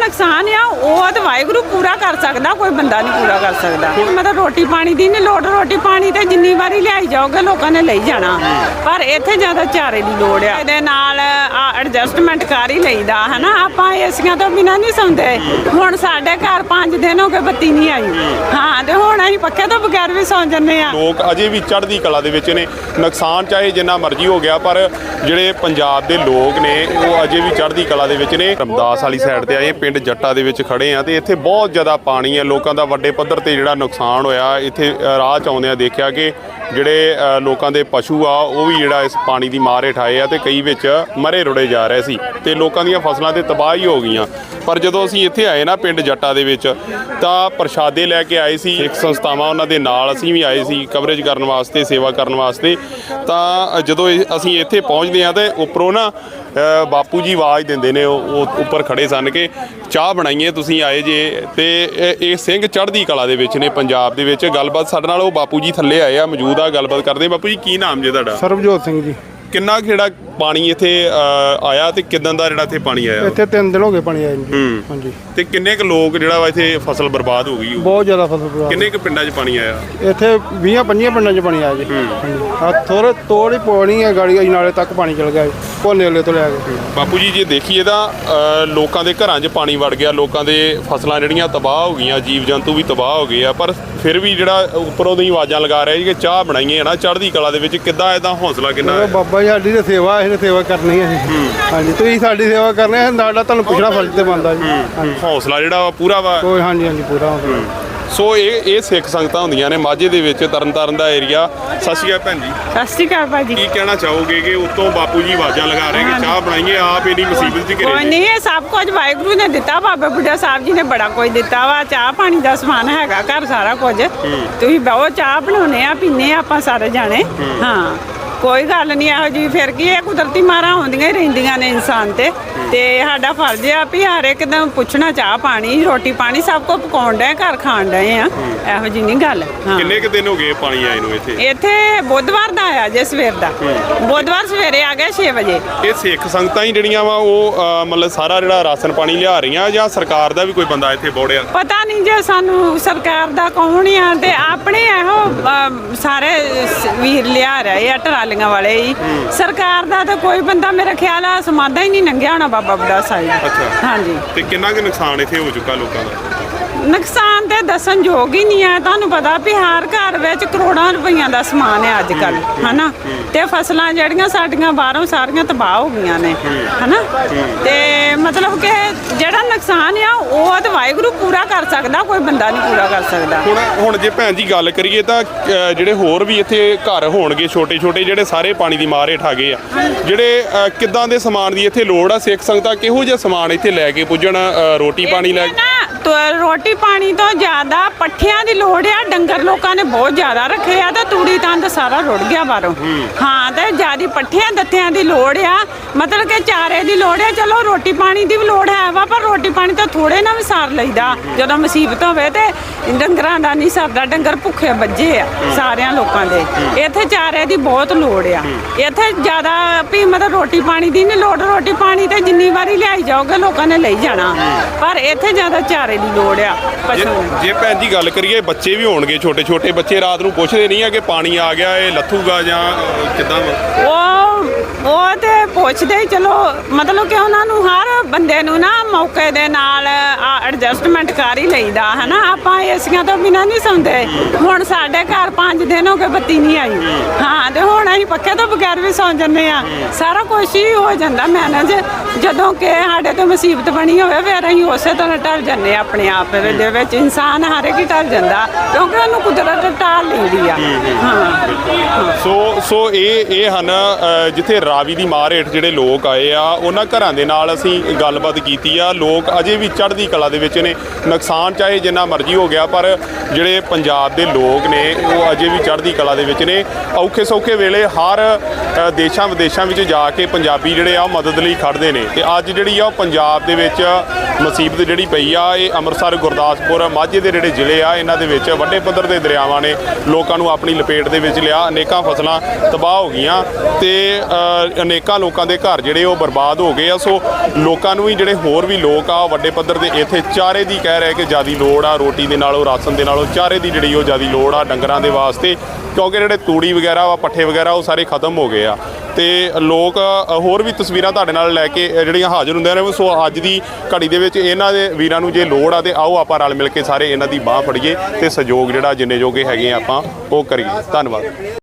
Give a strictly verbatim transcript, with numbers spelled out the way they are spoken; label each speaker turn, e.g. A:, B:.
A: ਨੁਕਸਾਨ ਆ ਉਹ ਤਾਂ ਵਾਹਿਗੁਰੂ ਪੂਰਾ ਕਰ ਸਕਦਾ, ਕੋਈ ਬੰਦਾ ਨਹੀਂ ਪੂਰਾ ਕਰ ਸਕਦਾ। ਮਤਲਬ ਰੋਟੀ ਪਾਣੀ ਦੀ ਨਹੀਂ ਲੋੜ, ਰੋਟੀ ਪਾਣੀ ਤੇ ਜਿੰਨੀ ਵਾਰੀ ਲਿਆਈ ਜਾਓਗੇ ਲੋਕਾਂ ਨੇ ਲਈ ਜਾਣਾ, ਪਰ ਇੱਥੇ ਜ਼ਿਆਦਾ ਚਾਰੇ ਦੀ ਲੋੜ ਆ। ਇਹਦੇ ਨਾਲ ਐਡਜਸਟਮੈਂਟ ਕਰ ਹੀ ਲਈਦਾ ਹੈ ਨਾ। ਆਪਾਂ ਏਸੀਆਂ ਤੋਂ ਬਿਨਾਂ ਨਹੀਂ ਸੌਂਦੇ। ਹੁਣ ਸਾਡੇ ਘਰ ਪੰਜ ਦਿਨ ਹੋ ਗਏ ਬੱਤੀ ਨਹੀਂ ਆਈ, ਹਾਂ, ਤੇ ਹੁਣ ਅਸੀਂ ਪੱਖੇ ਤੋਂ ਬਗੈਰ ਵੀ ਸੌਂ ਜੰਨੇ ਆ।
B: ਲੋਕ ਅਜੇ ਵੀ ਚੜ੍ਹਦੀ ਕਲਾ ਦੇ ਵਿੱਚ ਨੇ। ਨੁਕਸਾਨ ਚਾਹੇ ਜਿੰਨਾ ਮਰਜ਼ੀ ਹੋ ਗਿਆ, ਪਰ ਜਿਹੜੇ ਪੰਜਾਬ ਦੇ ਲੋਕ ਨੇ ਉਹ ਅਜੇ ਵੀ ਚੜ੍ਹਦੀ ਕਲਾ ਦੇ ਵਿੱਚ ਨੇ। ਰਮਦਾਸ ਵਾਲੀ ਸਾਈਡ ਤੇ ਆਏ, ਪਿੰਡ ਜੱਟਾ ਦੇ ਵਿੱਚ ਖੜੇ ਆ ਤੇ ਇੱਥੇ ਬਹੁਤ ਜ਼ਿਆਦਾ ਪਾਣੀ ਹੈ। ਲੋਕਾਂ ਦਾ ਵੱਡੇ ਪੱਧਰ ਤੇ ਜਿਹੜਾ ਨੁਕਸਾਨ ਹੋਇਆ, ਇੱਥੇ ਰਾਹ 'ਚ ਆਉਂਦਿਆਂ ਦੇਖਿਆ ਕਿ ਜਿਹੜੇ ਲੋਕਾਂ ਦੇ ਪਸ਼ੂ ਆ ਉਹ ਵੀ ਜਿਹੜਾ ਇਸ ਪਾਣੀ ਦੀ ਮਾਰ ਹੇਠ ਆਏ ਆ ਤੇ ਕਈ ਵਿੱਚ ਮਰੇ ਰੁੜੇ ਜਾ ਰਹੇ ਸੀ ਤੇ ਲੋਕਾਂ ਦੀਆਂ ਫਸਲਾਂ ਤੇ ਤਬਾਹੀ ਹੋ ਗਈਆਂ। ਪਰ ਜਦੋਂ ਅਸੀਂ ਇੱਥੇ ਆਏ ਨਾ ਪਿੰਡ ਜੱਟਾ ਦੇ ਵਿੱਚ, ਤਾਂ ਪ੍ਰਸ਼ਾਦੇ ਲੈ ਕੇ ਆਏ ਸੀ ਸਿੱਖ ਸੰਸਥਾਵਾਂ, ਉਹਨਾਂ ਦੇ ਨਾਲ ਅਸੀਂ ਵੀ ਆਏ ਸੀ ਕਵਰੇਜ ਕਰਨ ਵਾਸਤੇ, ਸੇਵਾ ਕਰਨ ਵਾਸਤੇ। ਤਾਂ ਜਦੋਂ ਅਸੀਂ ਇੱਥੇ ਪਹੁੰਚਦੇ ਹਾਂ ਤੇ ਉੱਪਰੋਂ ਨਾ ਬਾਪੂ ਜੀ ਆਵਾਜ਼ ਦਿੰਦੇ ਨੇ, ਉਹ ਉੱਪਰ ਖੜੇ ਸਨ ਕਿ ਚਾਹ ਬਣਾਈਏ, ਤੁਸੀਂ ਆਏ ਜੇ। ਤੇ ਇਹ ਸਿੰਘ ਚੜ੍ਹਦੀ ਕਲਾ ਦੇ ਵਿੱਚ ਨੇ ਪੰਜਾਬ ਦੇ ਵਿੱਚ। ਗੱਲਬਾਤ ਸਾਡੇ ਨਾਲ ਉਹ ਬਾਪੂ ਜੀ ਥੱਲੇ ਆਏ ਆ, ਮੌਜੂਦ ਆ, ਗੱਲਬਾਤ ਕਰਦੇ। ਬਾਪੂ ਜੀ ਕੀ ਨਾਮ ਜੇ ਤੁਹਾਡਾ?
C: ਸਰਬਜੋਤ ਸਿੰਘ ਜੀ।
B: ਕਿੰਨਾ ਜਿਹੜਾ ਪਾਣੀ ਇੱਥੇ ਆਇਆ ਤੇ ਕਿਦਾਂ ਦਾ ਜਿਹੜਾ ਇੱਥੇ ਪਾਣੀ ਆਇਆ?
C: ਇੱਥੇ ਤਿੰਨ ਦਿਨ ਹੋ ਗਏ ਪਾਣੀ ਆਏ ਨੂੰ। ਹਾਂਜੀ।
B: ਤੇ ਕਿੰਨੇ ਕੁ ਲੋਕ ਜਿਹੜਾ ਵਾ ਇੱਥੇ ਫਸਲ ਬਰਬਾਦ ਹੋ ਗਈ?
C: ਬਹੁਤ ਜ਼ਿਆਦਾ ਫਸਲ ਬਰਬਾਦ।
B: ਕਿੰਨੇ ਕੁ ਪਿੰਡਾਂ 'ਚ ਪਾਣੀ ਆਇਆ?
C: ਇੱਥੇ ਵੀਹਾਂ ਪੰਜੀਆਂ ਪਿੰਡਾਂ 'ਚ ਪਾਣੀ ਆਇਆ ਜੀ। ਆ ਥੋੜੇ ਤੋੜੀ ਪਾਣੀ ਹੈ, ਗਾੜੀ ਨਾਲੇ ਤੱਕ ਪਾਣੀ ਚਲ ਗਿਆ, ਭੋਲੇ ਵਾਲੇ ਤੋਂ ਲੈ ਕੇ।
B: ਬਾਪੂ ਜੀ ਜੇ ਦੇਖੀਏ ਤਾਂ ਲੋਕਾਂ ਦੇ ਘਰਾਂ 'ਚ ਪਾਣੀ ਵੜ ਗਿਆ, ਲੋਕਾਂ ਦੇ ਫਸਲਾਂ ਜਿਹੜੀਆਂ ਤਬਾਹ ਹੋ ਗਈਆਂ, ਜੀਵ ਜੰਤੂ ਵੀ ਤਬਾਹ ਹੋ ਗਏ ਆ, ਪਰ ਫਿਰ ਵੀ ਜਿਹੜਾ ਉੱਪਰੋਂ ਦੀ ਆਵਾਜ਼ਾਂ ਲਗਾ ਰਿਹਾ ਜੀ ਕਿ ਚਾਹ ਬਣਾਈਏ ਨਾ ਚੜ੍ਹਦੀ ਕਲਾ ਦੇ ਵਿੱਚ। ਕਿੱਦਾਂ ਇਹਦਾ ਹੌਸਲਾ ਕਿੰਨਾ?
C: ਬਾਬਾ ਜੀ ਸਾਡੀ ਤਾਂ ਸੇਵਾ, ਅਸੀਂ ਸੇਵਾ ਕਰਨੀ ਹੈ। ਹਾਂਜੀ, ਤੁਸੀਂ ਸਾਡੀ ਸੇਵਾ ਕਰਨੀ ਹੈ, ਨਾਲੇ ਤੁਹਾਨੂੰ ਪੁੱਛਣਾ ਫਰਜ਼ ਤੇ ਬਣਦਾ ਜੀ।
B: ਹੌਸਲਾ ਜਿਹੜਾ ਵਾ ਪੂਰਾ ਵਾ?
C: ਕੋਈ ਹਾਂਜੀ ਹਾਂਜੀ ਪੂਰਾ।
B: ਸੋ ਇਹ ਇਹ ਸਿੱਖ ਸੰਗਤਾਂ ਹੁੰਦੀਆਂ ਨੇ ਮਾਝੇ ਦੇ ਵਿੱਚ, ਤਰਨਤਾਰਨ ਦਾ ਏਰੀਆ। ਸਤਿ ਸ਼੍ਰੀ ਅਕਾਲ ਭੈਣ ਜੀ।
A: ਸਤਿ ਸ਼੍ਰੀ ਅਕਾਲ ਭਾਜੀ।
B: ਕੀ ਕਹਿਣਾ ਚਾਹੋਗੇ ਕਿ ਉੱਤੋਂ ਬਾਪੂ ਜੀ ਆਵਾਜ਼ਾਂ ਲਗਾ ਰਹੇ ਕਿ ਚਾਹ ਬਣਾਈਏ, ਆਪ ਇੰਨੀ ਮੁਸੀਬਤ 'ਚ ਘਿਰੇ?
A: ਕੋਈ ਨਹੀਂ, ਇਹ ਸਭ ਕੁਝ ਵਾਹਿਗੁਰੂ ਨੇ ਦਿੱਤਾ, ਬਾਬਾ ਬੁੱਢਾ ਸਾਹਿਬ ਜੀ ਨੇ ਬੜਾ ਕੁਝ ਦਿੱਤਾ ਵਾ। ਚਾਹ ਪਾਣੀ ਦਾ ਸਮਾਨ ਹੈਗਾ ਘਰ ਸਾਰਾ ਕੁਝ। ਤੁਸੀਂ ਬਹੁਤ ਚਾਹ ਬਣਾਉਨੇ ਆ, ਪੀਨੇ ਆ ਆਪਾਂ ਸਾਰੇ ਜਾਣੇ। ਹਾਂ, ਕੋਈ ਗੱਲ ਨਹੀਂ ਇਹੋ ਜਿਹੀ। ਫਿਰ ਕੀ, ਇਹ ਕੁਦਰਤੀ ਮਾਰਾਂ ਆਉਂਦੀਆਂ ਹੀ ਰਹਿੰਦੀਆਂ ਨੇ ਇਨਸਾਨ ਤੇ ਤੇ ਸਾਡਾ ਫਰਜ਼ ਆ ਵੀ ਹਰ ਇੱਕ ਦਿਨ ਪੁੱਛਣਾ ਚਾਹ ਪਾਣੀ, ਰੋਟੀ ਪਾਣੀ ਸਭ ਕੁਝ ਪਕਾਉਣ ਡਏ, ਘਰ ਖਾਣ ਡਏ ਆ। ਇਹੋ ਜਿਹੀ ਨਹੀਂ ਗੱਲ।
B: ਕਿੰਨੇ ਕੁ ਦਿਨ ਹੋ ਗਏ ਪਾਣੀ ਆਏ ਨੂੰ ਇੱਥੇ?
A: ਇੱਥੇ ਬੁੱਧਵਾਰ ਦਾ ਆਇਆ ਜੇ, ਸਵੇਰ ਦਾ। ਬੁੱਧਵਾਰ ਸਵੇਰੇ ਆ ਗਿਆ ਛੇ ਵਜੇ।
B: ਇਹ ਸਿੱਖ ਸੰਗਤਾਂ ਹੀ ਜਿਹੜੀਆਂ ਵਾ ਉਹ ਮਤਲਬ ਸਾਰਾ ਜਿਹੜਾ ਰਾਸ਼ਨ ਪਾਣੀ ਲਿਆ ਰਹੀਆਂ, ਜਾਂ ਸਰਕਾਰ ਦਾ ਵੀ ਕੋਈ ਬੰਦਾ ਇੱਥੇ ਬੋੜਿਆ?
A: ਪਤਾ ਨਹੀਂ ਜੇ ਸਾਨੂੰ ਸਰਕਾਰ ਦਾ ਕੌਣ ਆ, ਤੇ ਆਪਣੇ ਇਹੋ ਸਾਰੇ ਵੀਰ ਲਿਆ ਰਹੇ ਆ ਟਰਾਲੀਆਂ ਵਾਲੇ ਹੀ। ਸਰਕਾਰ ਦਾ ਤਾਂ ਕੋਈ ਬੰਦਾ ਮੇਰੇ ਖਿਆਲ ਆ ਸਮਾਦਾ ਹੀ ਨਹੀਂ ਲੰਘਿਆ ਹੋਣਾ ਬਾਬਾ ਬੁੱਢਾ ਸਾਹਿਬ।
B: ਅੱਛਾ।
A: ਹਾਂਜੀ।
B: ਤੇ ਕਿੰਨਾ ਕੁ ਨੁਕਸਾਨ ਇੱਥੇ ਹੋ ਚੁੱਕਾ ਲੋਕਾਂ ਦਾ?
A: ਨੁਕਸਾਨ ਤੇ ਦੱਸਣ ਯੋਗ ਹੀ ਨਹੀਂ ਹੈ। ਤੁਹਾਨੂੰ ਪਤਾ ਵੀ ਹਰ ਘਰ ਵਿੱਚ ਕਰੋੜਾਂ ਰੁਪਈਆਂ ਦਾ ਸਮਾਨ ਹੈ ਅੱਜ ਕੱਲ, ਹਨਾ। ਤੇ ਫਸਲਾਂ ਜਿਹੜੀਆਂ ਸਾਡੀਆਂ ਬਾਹਰੋਂ ਸਾਰੀਆਂ ਤਬਾਹ ਹੋ ਗਈਆਂ ਨੇ, ਹਨਾ। ਤੇ ਮਤਲਬ ਕਿ ਜਿਹੜਾ ਨੁਕਸਾਨ ਆ ਉਹ ਤਾਂ ਵਾਹਿਗੁਰੂ ਪੂਰਾ ਕਰ ਸਕਦਾ, ਕੋਈ ਬੰਦਾ ਨਹੀਂ ਪੂਰਾ ਕਰ ਸਕਦਾ।
B: ਹੁਣ ਹੁਣ ਜੇ ਭੈਣ ਜੀ ਗੱਲ ਕਰੀਏ ਤਾਂ ਜਿਹੜੇ ਹੋਰ ਵੀ ਇੱਥੇ ਘਰ ਹੋਣਗੇ ਛੋਟੇ ਛੋਟੇ, ਜਿਹੜੇ ਸਾਰੇ ਪਾਣੀ ਦੀ ਮਾਰ ਹੇਠ ਆ ਗਏ ਆ, ਜਿਹੜੇ ਕਿੱਦਾਂ ਦੇ ਸਮਾਨ ਦੀ ਇੱਥੇ ਲੋੜ ਆ? ਸਿੱਖ ਸੰਗਤਾਂ ਕਿਹੋ ਜਿਹਾ ਸਮਾਨ ਇੱਥੇ ਲੈ ਕੇ ਪੁੱਜਣ? ਰੋਟੀ ਪਾਣੀ ਲੈ ਕੇ?
A: ਰੋਟੀ ਪਾਣੀ ਤੋਂ ਜ਼ਿਆਦਾ ਪੱਠਿਆਂ ਦੀ ਲੋੜ ਆ। ਡੰਗਰ ਲੋਕਾਂ ਨੇ ਬਹੁਤ ਜ਼ਿਆਦਾ ਰੱਖੇ ਆ ਤੇ ਤੂੜੀ ਤੰਦ ਸਾਰਾ ਰੁੜ ਗਿਆ ਬਾਹਰੋਂ। ਹਾਂ, ਤੇ ਜ਼ਿਆਦਾ ਪੱਠਿਆਂ ਦੱਥਿਆਂ ਦੀ ਲੋੜ ਆ, ਮਤਲਬ ਕਿ ਚਾਰੇ ਦੀ ਲੋੜ ਆ। ਚਲੋ ਰੋਟੀ ਪਾਣੀ ਦੀ ਵੀ ਲੋੜ ਹੈ ਵਾ, ਪਰ ਰੋਟੀ ਪਾਣੀ ਤਾਂ ਥੋੜੇ ਨਾ ਵੀ ਸਾਰ ਲਈਦਾ। ਜਦੋਂ ਮੁਸੀਬਤ ਹੋਵੇ ਤੇ ਡੰਗਰਾਂ ਦਾ ਨਹੀਂ ਸਰਦਾ, ਡੰਗਰ ਭੁੱਖੇ ਵੱਜੇ ਆ ਸਾਰਿਆਂ ਲੋਕਾਂ ਦੇ। ਇੱਥੇ ਚਾਰੇ ਦੀ ਬਹੁਤ ਲੋੜ ਆ। ਇੱਥੇ ਜ਼ਿਆਦਾ ਵੀ ਮਤਲਬ ਰੋਟੀ ਪਾਣੀ ਦੀ ਨਹੀਂ ਲੋੜ, ਰੋਟੀ ਪਾਣੀ ਤੇ ਜਿੰਨੀ ਵਾਰੀ ਲਿਆਈ ਜਾਓਗੇ ਲੋਕਾਂ ਨੇ ਲਈ ਜਾਣਾ, ਪਰ ਇੱਥੇ ਜ਼ਿਆਦਾ ਚਾਰੇ ਦੀ ਲੋੜ ਆ।
B: ਜੇ ਭੈਣ ਜੀ ਗੱਲ ਕਰੀਏ, ਬੱਚੇ ਵੀ ਹੋਣਗੇ ਛੋਟੇ ਛੋਟੇ ਬੱਚੇ, ਰਾਤ ਨੂੰ ਪੁੱਛਦੇ ਨਹੀਂ ਆ ਕਿ ਪਾਣੀ ਆ ਗਿਆ, ਇਹ ਲੱਥੂਗਾ ਜਾਂ ਕਿੱਦਾਂ?
A: ਉਹ ਉਹ ਤੇ ਪੁੱਛਦੇ ਹੀ, ਚਲੋ ਮਤਲਬ ਕਿ ਉਹਨਾਂ ਨੂੰ ਹਰ ਬੰਦੇ ਨੂੰ ਨਾ ਮੌਕੇ ਦੇ ਨਾਲ ਐਡਜਸਟਮੈਂਟ ਕਰ ਹੀ ਲਈਦਾ, ਹਨਾ। ਆਪਾਂ ਏਸੀਆਂ ਤੋਂ ਬਿਨਾਂ ਨਹੀਂ ਸੌਂਦੇ। ਹੁਣ ਸਾਡੇ ਘਰ ਪੰਜ ਦਿਨ ਹੋ ਗਏ ਬੱਤੀ ਨਹੀਂ ਆਈ, ਹਾਂ, ਤੇ ਹੁਣ ਅਸੀਂ ਪੱਖੇ ਤੋਂ ਬਗੈਰ ਵੀ ਸੌਂ ਜੰਨੇ ਆ। ਸਾਰਾ ਕੁਛ ਹੀ ਹੋ ਜਾਂਦਾ ਮੈਨੇਜ। ਜਦੋਂ ਕਿ ਸਾਡੇ ਤੋਂ ਮੁਸੀਬਤ ਬਣੀ ਹੋਵੇ ਫਿਰ ਅਸੀਂ ਉਸੇ ਤਰ੍ਹਾਂ ਢਲ ਜੰਨੇ ਆਪਣੇ ਆਪ ਦੇ ਵਿੱਚ। ਇਨਸਾਨ ਹਰ ਇੱਕ ਹੀ ਢਲ ਜਾਂਦਾ ਕਿਉਂਕਿ ਉਹਨੂੰ ਕੁਦਰਤ ਢਾਲ ਲੈਂਦੀ ਆ। ਹਾਂ,
B: ਸੋ ਸੋ ਇਹ ਇਹ ਹਨ ਜਿੱਥੇ ਰਾਵੀ ਦੀ ਮਾਰ ਹੇਠ ਜਿਹੜੇ ਲੋਕ ਆਏ ਆ, ਉਹਨਾਂ ਘਰਾਂ ਦੇ ਨਾਲ ਅਸੀਂ ਗੱਲਬਾਤ ਕੀਤੀ ਆ। ਲੋਕ ਅਜੇ ਵੀ ਚੜ੍ਹਦੀ ਕਲਾ ਦੇ ਦੇ ਵਿੱਚ ਨੇ। ਨੁਕਸਾਨ ਚਾਹੇ ਜਿੰਨਾ ਮਰਜ਼ੀ ਹੋ ਗਿਆ, ਪਰ ਜਿਹੜੇ ਪੰਜਾਬ ਦੇ ਲੋਕ ਨੇ ਉਹ ਅਜੇ ਵੀ ਚੜ੍ਹਦੀ ਕਲਾ ਦੇ ਵਿੱਚ ਨੇ। ਔਖੇ ਸੌਖੇ ਵੇਲੇ ਹਰ ਅ, ਦੇਸ਼ਾਂ ਵਿਦੇਸ਼ਾਂ ਵਿੱਚ ਜਾ ਕੇ ਪੰਜਾਬੀ ਜਿਹੜੇ ਆ ਉਹ ਮਦਦ ਲਈ ਖੜ੍ਹਦੇ ਨੇ। ਤੇ ਅੱਜ ਜਿਹੜੀ ਆ ਉਹ ਪੰਜਾਬ ਦੇ ਵਿੱਚ ਮੁਸੀਬਤ ਜਿਹੜੀ ਪਈ ਆ, ਇਹ ਅੰਮ੍ਰਿਤਸਰ, ਗੁਰਦਾਸਪੁਰ, ਮਾਝੇ ਦੇ ਜਿਹੜੇ ਜ਼ਿਲ੍ਹੇ ਆ ਇਹਨਾਂ ਦੇ ਵਿੱਚ ਵੱਡੇ ਪੱਧਰ ਦੇ ਦਰਿਆਵਾਂ ਨੇ ਲੋਕਾਂ ਨੂੰ ਆਪਣੀ ਲਪੇਟ ਦੇ ਵਿੱਚ ਲਿਆ। ਅਨੇਕਾਂ ਫਸਲਾਂ ਤਬਾਹ ਹੋ ਗਈਆਂ ਤੇ ਅ, ਅਨੇਕਾਂ ਲੋਕਾਂ ਦੇ ਘਰ ਜਿਹੜੇ ਉਹ ਬਰਬਾਦ ਹੋ ਗਏ ਆ। ਸੋ ਲੋਕਾਂ ਨੂੰ ਵੀ ਜਿਹੜੇ ਹੋਰ ਵੀ ਲੋਕ ਆ ਵੱਡੇ ਪੱਧਰ ਦੇ ਇੱਥੇ ਚਾਰੇ ਦੀ ਕਹਿ ਰਹੇ ਕਿ ਜ਼ਿਆਦੀ ਲੋੜ ਆ, ਰੋਟੀ ਦੇ ਨਾਲੋਂ, ਰਾਸ਼ਨ ਦੇ ਨਾਲੋਂ ਚਾਰੇ ਦੀ ਜਿਹੜੀ ਉਹ ਜ਼ਿਆਦੀ ਲੋੜ ਆ ਡੰਗਰਾਂ ਦੇ ਵਾਸਤੇ, ਕਿਉਂਕਿ ਜਿਹੜੇ ਤੂੜੀ ਵਗੈਰਾ ਵਾ, ਪੱਠੇ ਵਗੈਰਾ ਉਹ ਸਾਰੇ ਖਤਮ ਹੋ ਗਏ ਆ। ਤੇ ਲੋਕ ਹੋਰ ਵੀ ਤਸਵੀਰਾਂ ਤੁਹਾਡੇ ਨਾਲ ਲੈ ਕੇ ਜਿਹੜੀਆਂ ਹਾਜ਼ਰ ਹੁੰਦੇ ਨੇ। ਸੋ ਅੱਜ ਦੀ ਘੜੀ ਦੇ ਵਿੱਚ ਇਹਨਾਂ ਦੇ ਵੀਰਾਂ ਨੂੰ ਜੇ ਲੋੜ ਆ ਤੇ ਆਓ ਆਪਾਂ ਰਲ ਮਿਲ ਕੇ ਸਾਰੇ ਇਹਨਾਂ ਦੀ ਬਾਹ ਫੜੀਏ ਤੇ ਸਹਿਯੋਗ ਜਿਹੜਾ ਜਿੰਨੇ ਜੋਗੇ ਹੈਗੇ ਆਪਾਂ ਉਹ ਕਰੀਏ। ਧੰਨਵਾਦ।